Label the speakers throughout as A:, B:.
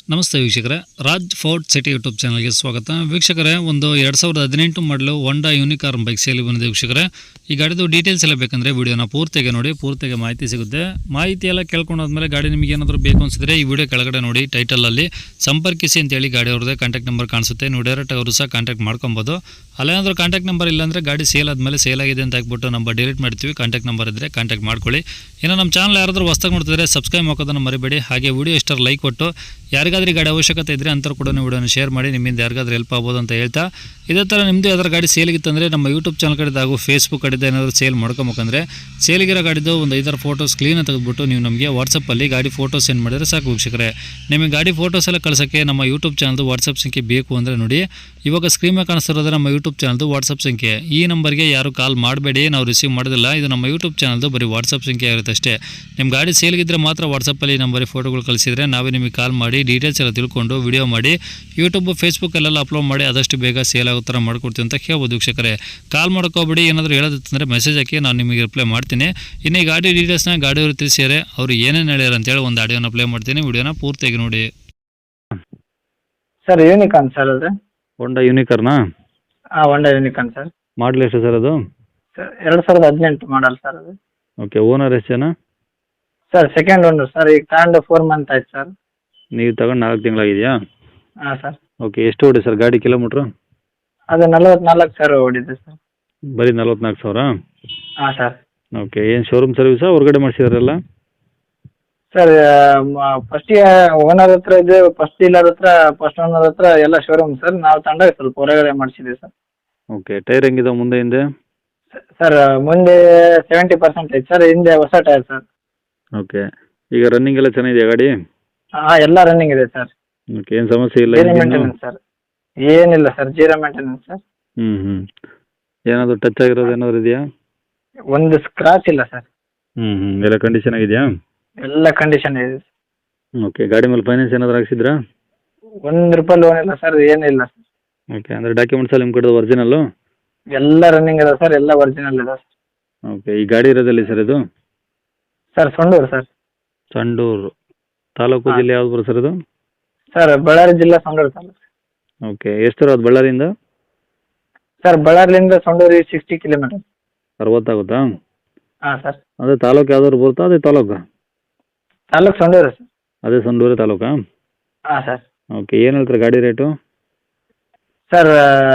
A: ನಮಸ್ತೆ ವೀಕ್ಷಕರೇ, Raj fort city YouTube ಚಾನಲ್ಗೆ ಸ್ವಾಗತ. ವೀಕ್ಷಕರೇ, ಒಂದು 2018 ಮಾಡಲು ಹೊಂಡಾ ಯೂನಿಕಾರ್ನ್ ಬೈಕ್ ಸೇಲಿ ಬಂದಿದೆ ವೀಕ್ಷಕರೇ. ಈ ಗಾಡಿದು ಡೀಟೇಲ್ಸ್ ಎಲ್ಲ ಬೇಕಂದರೆ ವಿಡಿಯೋನ ಪೂರ್ತಿಗೆ ನೋಡಿ, ಪೂರ್ತಿಗೆ ಮಾಹಿತಿ ಸಿಗುತ್ತೆ. ಮಾಹಿತಿ ಎಲ್ಲ ಕೇಳ್ಕೊಂಡಾದ್ಮೇಲೆ ಗಾಡಿ ನಿಮಗೆ ಏನಾದರೂ ಬೇಕು ಅನಿಸಿದ್ರೆ ಈ ವಿಡಿಯೋ ಕೆಳಗಡೆ ನೋಡಿ ಟೈಟಲಲ್ಲಿ ಸಂಪರ್ಕಿಸಿ ಅಂತೇಳಿ ಗಾಡಿ ಅವ್ರದ್ದೇ ಕಾಂಟ್ಯಾಕ್ಟ್ ನಂಬರ್ ಕಾಣಿಸುತ್ತೆ. ನೀವು ಡೈರೆಕ್ಟ್ ಅವರು ಸಹ ಕಾಂಟ್ಯಾಕ್ಟ್ ಮಾಡ್ಕೊಬೋದು. ಅಲ್ಲೇನಾದರೂ ಕಾಂಟ್ಯಾಕ್ಟ್ ನಂಬರ್ ಇಲ್ಲಾಂದರೆ ಗಾಡಿ ಸೇಲ್ ಆದಮೇಲೆ ಸೇಲ್ ಆಗಿದೆ ಅಂತ ಹಾಕ್ಬಿಟ್ಟು ನಂಬರ್ ಡಿಲೀಟ್ ಮಾಡ್ತೀವಿ. ಕಾಂಟ್ಯಾಕ್ಟ್ ನಂಬರ್ ಇದ್ದರೆ ಕಾಂಟ್ಯಾಕ್ಟ್ ಮಾಡ್ಕೊಳ್ಳಿ. ಇನ್ನು ನಮ್ಮ ಚಾನಲ್ ಯಾರಾದರೂ ಹೊಸ್ದಾಗಿ ನೋಡ್ತಿದ್ರೆ ಸಬ್ಸ್ಕ್ರೈಬ್ ಮಾಡೋದನ್ನು ಮರಿಬೇಡಿ. ಹಾಗೆ ವಿಡಿಯೋ ಇಷ್ಟರ ಲೈಕ್ ಕೊಟ್ಟು ಯಾರಿಗಾದ್ರೂ ಗಾಡಿ ಅವಶ್ಯಕತೆ ಇದ್ದರೆ ಅಂಥವ್ರು ಕೂಡ ವಿಡಿಯೋನ ಶೇರ್ ಮಾಡಿ, ನಿಮ್ಮಿಂದ ಯಾರಿಗಾದ್ರೂ ಹೆಲ್ಪ್ ಆಗ್ಬೋದು ಅಂತ ಹೇಳ್ತಾ, ಇದೇ ಥರ ನಿಮ್ಮದು ಯಾವ್ದಾರು ಗಾಡಿ ಸೇಲಿಗಿತ್ತಂದರೆ ನಮ್ಮ ಯೂಟ್ಯೂಬ್ ಚಾನಲ್ ಕಡೆದು ಹಾಗೂ ಫೇಸ್ಬುಕ್ ಕಡೆದು ಏನಾದರೂ ಸೇಲ್ ಮಾಡ್ಕೊಬೇಕಂದ್ರೆ ಸೇಲಿಗಿರೋ ಗಾಡಿದು ಒಂದು 5 ಫೋಟೋಸ್ ಕ್ಲೀನ್ ತೆಗೆದುಬಿಟ್ಟು ನೀವು ನಮಗೆ ವಾಟ್ಸಪ್ಪಲ್ಲಿ ಗಾಡಿ ಫೋಟೋ ಸೆಂಡ್ ಮಾಡಿದರೆ ಸಾಕು ವೀಕ್ಷಕರೇ. ನಿಮಗೆ ಗಾಡಿ ಫೋಟೋಸ್ ಎಲ್ಲ ಕಳ್ಸೋಕ್ಕೆ ನಮ್ಮ ಯೂಟ್ಯೂಬ್ ಚಾನಲ್ದು ವಾಟ್ಸಪ್ ಸಂಖ್ಯೆ ಬೇಕು ಅಂದರೆ ನೋಡಿ, ಇವಾಗ ಸ್ಕ್ರೀನ್ ಮೇಲೆ ಕಾಣಿಸ್ತಿರೋದು ನಮ್ಮ ಯೂಟ್ಯೂಬ್ ಚಾನಲ್ದು ವಾಟ್ಸಪ್ ಸಂಖ್ಯೆ. ಈ ನಂಬರ್ಗೆ ಯಾರು ಕಾಲ್ ಮಾಡಬೇಡಿ, ನಾವು ರಿಸೀವ್ ಮಾಡೋದಿಲ್ಲ. ಇದು ನಮ್ಮ ಯೂಟ್ಯೂಬ್ ಚಾನಲ್ದು ಬರೀ ವಾಟ್ಸಪ್ ಸಂಖ್ಯೆ ಇರುತ್ತೆ ಅಷ್ಟೇ. ನಿಮ್ಮ ಗಾಡಿ ಸೇಲ್ಗಿದ್ರೆ ಮಾತ್ರ ವಾಟ್ಸಪ್ಪಲ್ಲಿ ನಂಬರಿಗೆ ಫೋಟೋಗಳು ಕಳಿಸಿದರೆ ನಾವೇ ನಿಮಗೆ ಕಾಲ್ ಮಾಡಿ ಡೀಟೇಲ್ಸ್ ಎಲ್ಲ ತಿಳ್ಕೊಂಡು ವಿಡಿಯೋ ಮಾಡಿ ಯೂಟ್ಯೂಬ್ ಫೇಸ್ಬುಕ್ಕಲ್ಲೆಲ್ಲ ಅಪ್ಲೋಡ್ ಮಾಡಿ ಆದಷ್ಟು ಬೇಗ ಸೇಲ್ ಆಗೋ ಥರ ಮಾಡ್ಕೊಡ್ತೀವಿ ಅಂತ ಹೇಳ್ಬೋದು ವೀಕ್ಷಕರೇ. ಕಾಲ್ ಮಾಡ್ಕೋಬೇಡಿ, ಏನಾದರೂ ಹೇಳೋದಿತ್ತಂದರೆ ಮೆಸೇಜ್ ಹಾಕಿ, ನಾನು ನಿಮಗೆ ರಿಪ್ಲೈ ಮಾಡ್ತೀನಿ. ಇನ್ನು ಈ ಗಾಡಿ ಡೀಟೇಲ್ಸ್ನ ಗಾಡಿಯವರು ತಿಳಿಸಿದರೆ ಅವರು ಏನೇನು ಹೇಳ್ಯಾರ ಅಂತೇಳಿ ಒಂದು ಆಡಿಯೋನ ಪ್ಲೇ ಮಾಡ್ತೀನಿ. ವಿಡಿಯೋನ ಪೂರ್ತಿಯಾಗಿ ನೋಡಿ.
B: ಸರ್ ಯೂನಿಕಾರ್ನ್ ಸರ್ ಅದು.
A: ಹೊಂಡಾ ಯೂನಿಕಾರ್ನಾ?
B: ಹಾಂ, ಹೊಂಡಾ ಯೂನಿಕಾರ್ನ್ ಸರ್.
A: ಮಾಡಲ್ ಎಷ್ಟು ಸರ್ ಅದು?
B: ಸರ್ 2018 ಮಾಡಲ್ ಸರ್ ಅದು.
A: ಓಕೆ. ಓನರ್ ಎಷ್ಟು ಜನ?
B: Sir second owner sir. ಈಗ ತಗೊಂಡು 4 ಮಂತ್ ಆಯ್ತು ಸರ್.
A: ನೀವು ತಗೊಂಡು 4 ತಿಂಗಳಾಗಿದೆಯಾ?
B: ಹಾಂ ಸರ್.
A: ಓಕೆ. ಎಷ್ಟು ಓಡಿ ಸರ್ ಗಾಡಿ ಕಿಲೋಮೀಟ್ರು?
B: ಅದು 44,000 ಓಡಿದೆ ಸರ್.
A: ಬರೀ 44,000?
B: ಹಾಂ ಸರ್.
A: ಓಕೆ. ಏನು ಶೋರೂಮ್ ಸರ್ವಿಸಾ ಹೊರಗಡೆ ಮಾಡಿಸಿದಾರಲ್ಲ?
B: ಸರ್ ಫಸ್ಟಿಗೆ ಓನರ್ ಹತ್ರ ಇದೆ, ಫಸ್ಟ್ ಡೀಲರ್ ಹತ್ರ, ಫಸ್ಟ್ ಓನರ್ ಹತ್ರ ಎಲ್ಲ ಶೋರೂಮ್ ಸರ್. ನಾವು ತಂಡಾಗ ಸ್ವಲ್ಪ ಹೊರಗಡೆ ಮಾಡಿಸಿದ್ದೀವಿ ಸರ್.
A: ಓಕೆ. ಟೈರ್ ಹೆಂಗಿದಾವೆ ಮುಂದೆ ಹಿಂದೆ?
B: ಸರ್ ಮುಂದೆ 70% ಐತೆ ಸರ್, ಹಿಂದೆ ಹೊಸ ಟೈರ್ ಸರ್.
A: ಓಕೆ. ಈಗ ರನ್ನಿಂಗ್ ಎಲ್ಲ ಚೆನ್ನಾಗಿದೆಯಾ ಗಾಡಿ?
B: ಹಾಂ, ಎಲ್ಲ ರನ್ನಿಂಗ್ ಇದೆ ಸರ್.
A: ಓಕೆ. ಏನು ಸಮಸ್ಯೆ ಇಲ್ಲ?
B: ಜೀರೋ ಮೇಂಟೆನೆನ್ಸ್ ಸರ್, ಏನಿಲ್ಲ ಸರ್, ಜೀರೋ ಮೇಂಟೆನೆನ್ಸ್ ಸರ್.
A: ಹ್ಞೂ. ಏನಾದರೂ ಟಚ್ ಆಗಿರೋದು ಏನಾದರೂ ಇದೆಯಾ?
B: ಒಂದು ಸ್ಕ್ರಾಚ್ ಇಲ್ಲ ಸರ್.
A: ಎಲ್ಲ ಕಂಡೀಷನ್ ಆಗಿದೆಯಾ?
B: ಎಲ್ಲ ಕಂಡೀಷನ್ ಇದೆ.
A: ಓಕೆ. ಗಾಡಿ ಮೇಲೆ ಫೈನಾನ್ಸ್ ಏನಾದರೂ ಹಾಕ್ಸಿದ್ರಾ?
B: ₹1 ಲೋನ್ ಇಲ್ಲ ಸರ್, ಏನಿಲ್ಲ ಸರ್.
A: ಓಕೆ. ಅಂದರೆ ಡಾಕ್ಯುಮೆಂಟ್ಸ್ ಎಲ್ಲ ನಿಮ್ಮ ಕಡೆದು ಒರಿಜಿನಲ್ಲು?
B: ಎಲ್ಲ ರನ್ನಿಂಗ್ ಇದೆ ಸರ್, ಎಲ್ಲ ಒರಿಜಿನಲ್ ಇದೆ ಸರ್.
A: ಓಕೆ. ಈ ಗಾಡಿ ಇರೋದಲ್ಲಿ ಸರ್ ಇದು?
B: Sir Sandur sir.
A: ಸಂಡೂರು ತಾಲೂಕು, ಜಿಲ್ಲೆ ಯಾವ್ದು ಬರುತ್ತೆ ಸರ್ ಇದು?
B: ಸರ್ ಬಳ್ಳಾರಿ ಜಿಲ್ಲಾ, ಸಂಡೂರು ತಾಲೂಕು.
A: ಓಕೆ. ಎಷ್ಟು ಸರ್ ಅದು ಬಳ್ಳಾರಿಯಿಂದ?
B: ಸರ್ ಬಳ್ಳಾರಿಯಿಂದ ಸಂಡೂರು 60 ಕಿಲೋಮೀಟರ್.
A: 60 ಆಗುತ್ತಾ?
B: ಹಾಂ ಸರ್.
A: ಅದೇ ತಾಲೂಕು ಯಾವ್ದಾದ್ರು ಬರುತ್ತಾ? ಅದೇ ತಾಲೂಕು
B: ಸಂಡೂರು ಸರ್.
A: ಅದೇ ಸಂಡೂರು ತಾಲೂಕಾ?
B: ಹಾಂ ಸರ್.
A: ಓಕೆ. ಏನು ಹೇಳ್ತಾರೆ ಗಾಡಿ rate?
B: Sir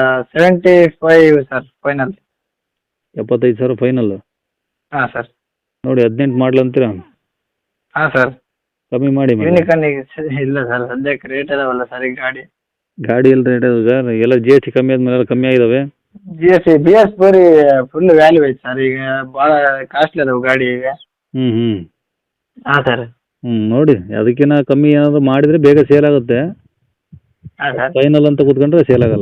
B: 75 sir final.
A: 75,000 final?
B: ಹಾಂ ಸರ್.
A: ನೋಡಿ 18 ಮಾಡಲ್ ಅಂತೀರಾ?
B: ಹಾಂ ಸರ್.
A: ಕಮ್ಮಿ ಮಾಡಿ ಮೇಡಮ್.
B: ಯೂನಿಕಾರ್ನಿಗೆ ಇಲ್ಲ ಸರ್, ಸದ್ಯಕ್ಕೆ ರೇಟ್ ಇದಾವಲ್ಲ ಸರ್ ಈ
A: ಗಾಡಿ ಎಲ್ಲ ರೇಟ್ ಇದೆ ಸರ್, ಎಲ್ಲ ಜಿ ಎಸ್ ಟಿ ಕಮ್ಮಿ ಆದ್ಮೇಲೆ ಎಲ್ಲ ಕಮ್ಮಿ ಆಗಿದಾವೆ.
B: ಬಿ ಎಸ್ ಬರೀ ಫುಲ್ ವ್ಯಾಲ್ಯೂ ಐತೆ ಸರ್, ಈಗ ಭಾಳ ಕಾಸ್ಟ್ಲಿ ಅದಾವೆ ಗಾಡಿ ಈಗ.
A: ಹ್ಞೂ.
B: ಹಾಂ ಸರ್.
A: ನೋಡಿ ಅದಕ್ಕಿಂತ ಕಮ್ಮಿ ಏನಾದರೂ ಮಾಡಿದರೆ ಬೇಗ ಸೇಲ್ ಆಗುತ್ತೆ.
B: ಹಾಂ ಸರ್.
A: ಫೈನಲ್ ಅಂತ ಕೂತ್ಕೊಂಡ್ರೆ ಸೇಲ್ ಆಗಲ್ಲ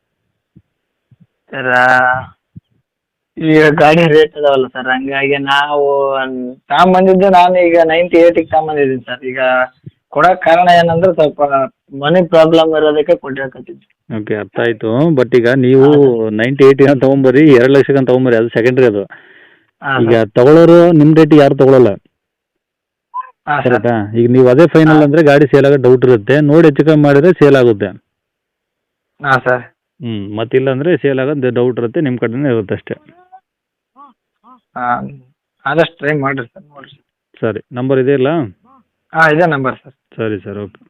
B: ಸರ್ ಈಗ ಗಾಡಿ ರೇಟ್ ಅದಾವಲ್ಲ ಸರ್, ಹಂಗಾಗಿ ನಾವು ತಗೊಂಬಂದಿದ್ದು, ನಾನು ಈಗ 98ಗೆ ತಗೊಂಬಂದಿದ್ದೀನಿ ಸರ್. ಈಗ ಕೊಡೋಕೆ ಕಾರಣ ಏನಂದ್ರೆ ಸ್ವಲ್ಪ ಮನಿ ಪ್ರಾಬ್ಲಮ್ ಇರೋದಕ್ಕೆ ಕೊಟ್ಟಿರಕತ್ತಿದ್ವಿ.
A: ಓಕೆ, ಅರ್ಥ ಆಯಿತು. ಬಟ್ ಈಗ ನೀವು 98 ತೊಗೊಂಬರ್ರಿ, 2 ಲಕ್ಷಕ್ಕೆ ತೊಗೊಂಬರ್ರಿ, ಅದು ಸೆಕೆಂಡ್ರಿ. ಅದು ಈಗ ತಗೊಳ್ಳೋರು ನಿಮ್ಮ ರೇಟಿಗೆ ಯಾರು ತಗೊಳ್ಳಲ್ಲ, ಕರೆಕ್ಟಾ? ಈಗ ನೀವು ಅದೇ ಫೈನಲ್ ಅಂದರೆ ಗಾಡಿ ಸೇಲ್ ಆಗೋ ಡೌಟ್ ಇರುತ್ತೆ. ನೋಡಿ ಹೆಚ್ಚು ಕಮ್ಮಿ ಮಾಡಿದ್ರೆ ಸೇಲ್ ಆಗುತ್ತೆ.
B: ಹಾಂ ಸರ್.
A: ಮತ್ತಿಲ್ಲ ಅಂದರೆ ಸೇಲ್ ಆಗೋದು ಡೌಟ್ ಇರುತ್ತೆ, ನಿಮ್ಮ ಕಡೆನೇ ಇರುತ್ತೆ ಅಷ್ಟೇ.
B: ಹಾಂ, ಆದಷ್ಟು ಟ್ರೈ ಮಾಡಿರಿ ಸರ್, ನೋಡಿರಿ.
A: ಸರಿ, ನಂಬರ್ ಇದೆಯಲ್ಲ?
B: ಹಾಂ, ಇದೇ ನಂಬರ್ ಸರ್.
A: ಸರಿ ಸರ್, ಓಕೆ.